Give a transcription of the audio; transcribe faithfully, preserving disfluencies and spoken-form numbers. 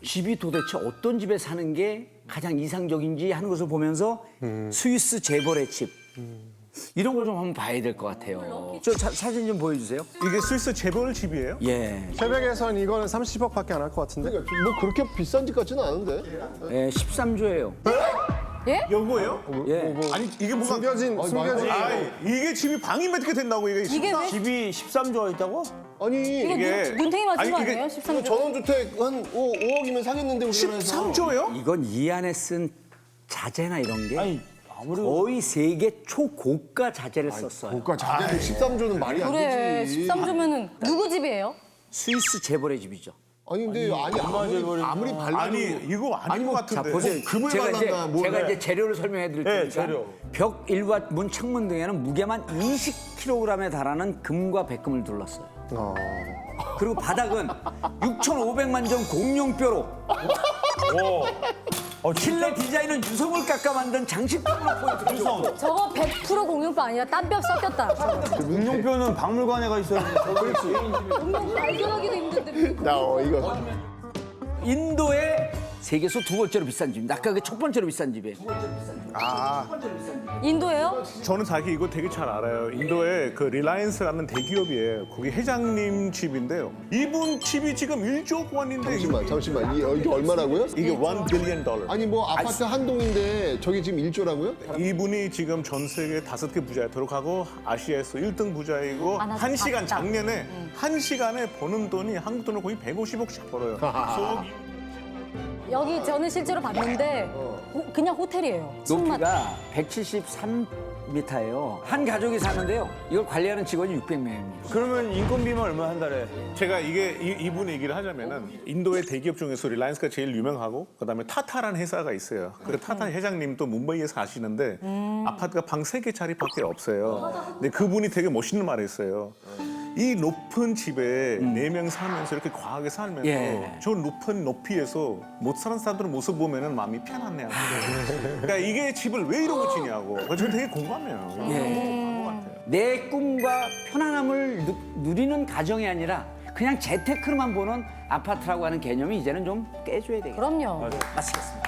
집이 도대체 어떤 집에 사는 게 가장 이상적인지 하는 것을 보면서 음. 스위스 재벌의 집 이런 걸 좀 한번 봐야 될 것 같아요. 저 사, 사진 좀 보여주세요. 이게 스위스 재벌 집이에요? 예, 새벽에선 이거는 삼십억밖에 안 할 것 같은데. 그러니까 뭐 그렇게 비싼 집 같지는 않은데. 예 십삼 조예요. 요거예요? 예. 아니 이게 뭐가 숨겨진 숨겨진. 아, 이게 집이 방이 몇 개 된다고 이게 이게 왜 집이 십삼 조가 있다고? 아니 이거 이게- 눈, 눈탱이 맞은 아니, 거 이게- 아니에요? 십삼 조. 전원주택 한 오, 오억이면 사겠는데 우리나라에서. 십삼 조예요? 이건 이 안에 쓴 자재나 이런 게 아니 아무리 거의 세계 초고가 자재를 썼어요. 고가 자재도 십삼 조는 말이 안 그래, 되지. 십삼 조면은 누구 집이에요? 스위스 재벌의 집이죠. 아니 근데 아니 아무리 아무리 발라도 아니 이거 아닌 것 자 같은데. 보세요. 금을 제가 이제 발랐나, 뭘 제가 해. 이제 재료를 설명해 드릴 네, 테니까 재료. 벽 일과 문 창문 등에는 무게만 이십 킬로그램에 달하는 금과 백금을 둘렀어요. 그리고 바닥은 육천오백만 점 공룡뼈로 어, 실내 디자인은 유성을 깎아 만든 장식품으로 포인트를 줬고 저거 백 퍼센트 공룡뼈 아니라 딴뼈 섞였다. 저거. 문용표는 박물관에 가 있어야 되는데. 공룡 발견하기도 힘든데. 나 어, 이거 인도의 세계에서 두 번째로 비싼 집입니다. 아까 그 첫 번째로 비싼 집이에요. 인도예요? 저는 자기 이거 되게 잘 알아요. 인도에 그 리라이언스라는 대기업이에요. 거기 회장님 집인데요. 이분 집이 지금 일조 원인데 잠시만 잠시만 이 이게 얼마라고요? 이게 원 빌리언 달러. 아니 뭐 아파트 한 동인데 저게 지금 일 조라고요? 이분이 지금 전 세계 다섯 개 부자에 들어가고 아시아에서 일 등 부자이고 아, 나도 한 시간 봤다. 작년에 한 시간에 버는 돈이 한국 돈으로 거의 백오십억씩 벌어요. 소 여기 저는 실제로 봤는데 호- 그냥 호텔이에요. 층만. 높이가 백칠십삼 미터예요. 한 가족이 사는데요. 이걸 관리하는 직원이 육백 명입니다. 그러면 인건비만 얼마 한 달에? 제가 이게 이, 이분 얘기를 하자면은 인도의 대기업 중에서 리라이언스가 제일 유명하고 그다음에 타타라는 회사가 있어요. 그 타타 회장님도 뭄바이에 사시는데 아파트가 방 세 개짜리밖에 없어요. 근데 그분이 되게 멋있는 말을 했어요. 이 높은 집에 네 명 살면서 이렇게 과하게 살면서 예. 저 높은 높이에서 못 사는 사람들의 모습 보면은 마음이 편안해요. 그러니까 이게 집을 왜 이러고 지냐고. 그래서 저는 되게 공감해요. 예. 공감한 것 같아요. 내 꿈과 편안함을 누, 누리는 가정이 아니라 그냥 재테크로만 보는 아파트라고 하는 개념이 이제는 좀 깨줘야 되겠다. 그럼요. 마치겠습니다.